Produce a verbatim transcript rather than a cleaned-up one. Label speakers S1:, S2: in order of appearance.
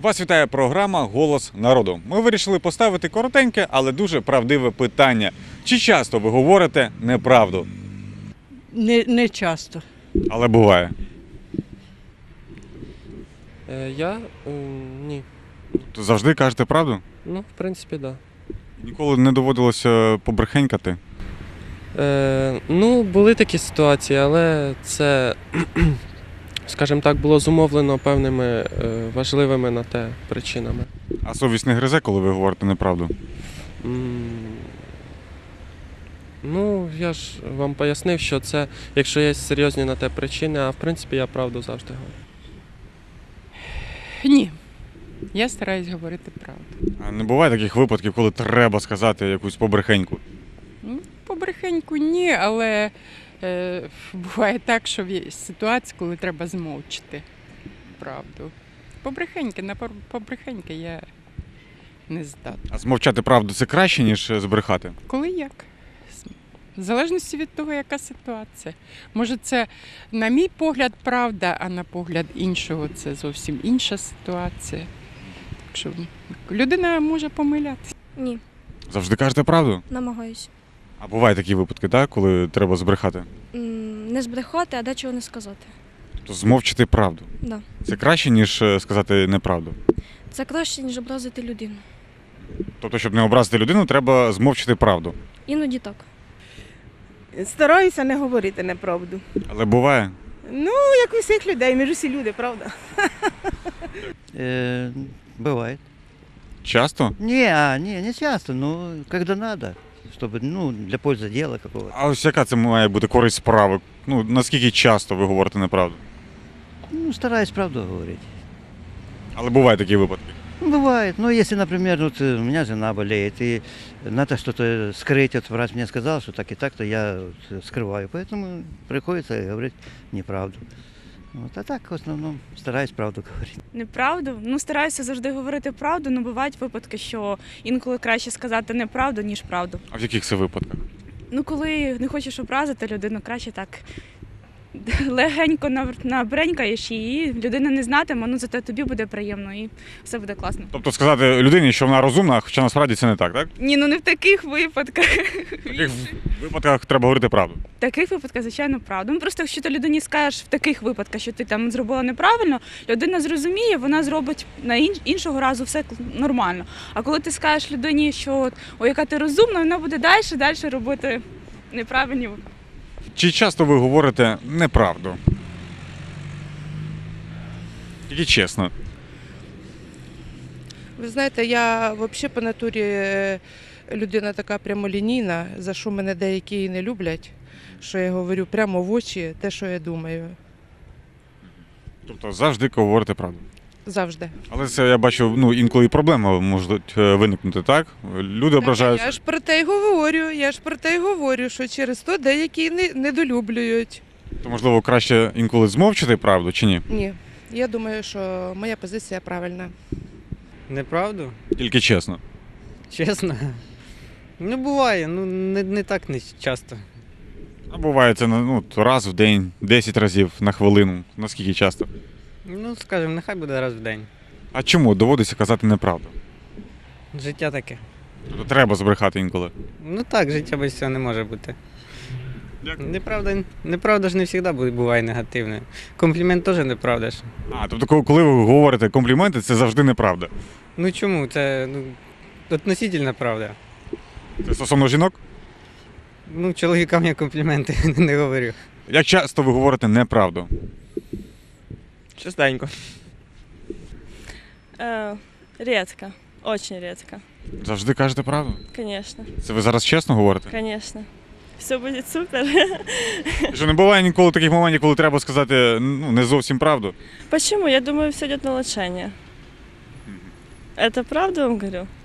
S1: Вас вітає програма «Голос народу». Ми вирішили поставити коротеньке, але дуже правдиве питання. Чи часто ви говорите неправду?
S2: Не, не часто.
S1: Але буває.
S3: Е, я? М, Ні.
S1: То завжди кажете правду?
S3: Ну, в принципі, так.
S1: Ніколи не доводилося побрехенькати?
S3: Да. Е, ну, були такі ситуації, але це, скажімо так, було зумовлено певними е, важливими на те причинами.
S1: А совість не гризе, коли ви говорите неправду?
S3: М, Ну, я ж вам пояснив, що це, якщо є серйозні на те причини, а в принципі я правду завжди говорю.
S2: Ні. Я стараюсь говорити правду.
S1: А не буває таких випадків, коли треба сказати якусь побрехеньку?
S2: Ну, побрехеньку ні, але е, буває так, що є ситуації, коли треба змовчити правду. Побрехеньки, на пор- побрехеньки я не здатна.
S1: А змовчати правду – це краще, ніж збрехати?
S2: Коли як? В залежності від того, яка ситуація. Може, це, на мій погляд, правда, а на погляд іншого це зовсім інша ситуація. Так що людина може помилятися.
S4: Ні,
S1: Завжди кажете правду?
S4: намагаюсь.
S1: А бувають такі випадки, так, коли треба збрехати?
S4: М, Не збрехати, а дечого не сказати.
S1: Тобто змовчити правду.
S4: Да.
S1: Це краще, ніж е, сказати неправду?
S4: Це краще, ніж образити людину.
S1: Тобто, щоб не образити людину, треба змовчити правду.
S4: Іноді так.
S5: Стараюся не говорити неправду.
S1: Але буває?
S5: Ну, як у всіх людей, ми ж усі люди, правда?
S6: Э, бывает.
S1: Часто?
S6: Не, а, не, не часто, но когда надо, чтобы, ну, для пользы дела какого-то.
S1: А ось яка це має бути користь справи? Ну, наскільки часто ви говорите неправду?
S6: Ну, стараюсь правду говорить.
S1: Але бувають такі випадки.
S6: Ну, бывает, но если, например, вот э, у меня жена болеет, и надо что-то скрыть, вот врач мне сказал, что так и так, то я вот скрываю, поэтому приходится говорить неправду. Вот, а так, в основном, стараюсь правду говорить.
S7: Неправду? Ну, стараюся завжди говорити правду, але бувають випадки, що інколи краще сказати неправду, ніж правду.
S1: А в яких це випадках?
S7: Ну, коли не хочеш образити людину, краще так легенько нав- набренькаєш її, людина не знатиме, ну зате тобі буде приємно і все буде класно.
S1: Тобто сказати людині, що вона розумна, хоча насправді це не так, так?
S7: Ні, ну не в таких випадках.
S1: В таких випадках треба говорити правду.
S7: В таких випадках, звичайно, правду. Ну просто якщо ти людині скажеш в таких випадках, що ти там зробила неправильно, людина зрозуміє, вона зробить на інш- іншого разу все нормально. А коли ти скажеш людині, що от, ой, яка ти розумна, вона буде далі, далі робити неправильні.
S1: Чи часто ви говорите неправду? Тільки чесно.
S5: Ви знаєте, я взагалі по натурі е, людина така прямолінійна, за що мене деякі і не люблять, що я говорю прямо в очі те, що я думаю.
S1: Тобто завжди говорите правду.
S5: Завжди.
S1: Але це, я бачу, ну, інколи і проблеми можуть е, виникнути, так? Люди ображаються.
S5: Я ж про те й говорю, я ж про те й говорю, що через то деякі не, недолюблюють.
S1: То, можливо, краще інколи змовчити правду чи ні?
S5: Ні, я думаю, що моя позиція правильна.
S8: Неправду?
S1: Тільки чесно.
S8: Чесно? Ну, буває, ну не, не так не часто.
S1: А буває це ну, раз в день, десять разів на хвилину. Наскільки часто?
S8: Ну, скажімо, нехай буде раз в день.
S1: А чому доводиться казати неправду?
S8: Життя таке.
S1: Тобто треба збрехати інколи.
S8: Ну так, життя без цього не може бути.
S1: Дякую.
S8: Неправда, неправда ж не завжди буває негативною. Комплімент теж неправда ж.
S1: А, тобто, коли- коли ви говорите компліменти, це завжди неправда.
S8: Ну чому? Це ну, относительна правда.
S1: Це стосовно жінок?
S8: Ну, чоловікам я компліменти не говорю.
S1: Як часто ви говорите неправду?
S8: Частенько.
S9: Э, редко, очень редко,
S1: Завжди кажете правду?
S9: конечно,
S1: Це ви зараз чесно говорите?
S9: конечно. Все будет супер.
S1: І що не буває ніколи таких моментів, коли треба сказати ну, не зовсім правду?
S9: Почему? Я думаю, все идет на улучшение. Это правда вам говорю?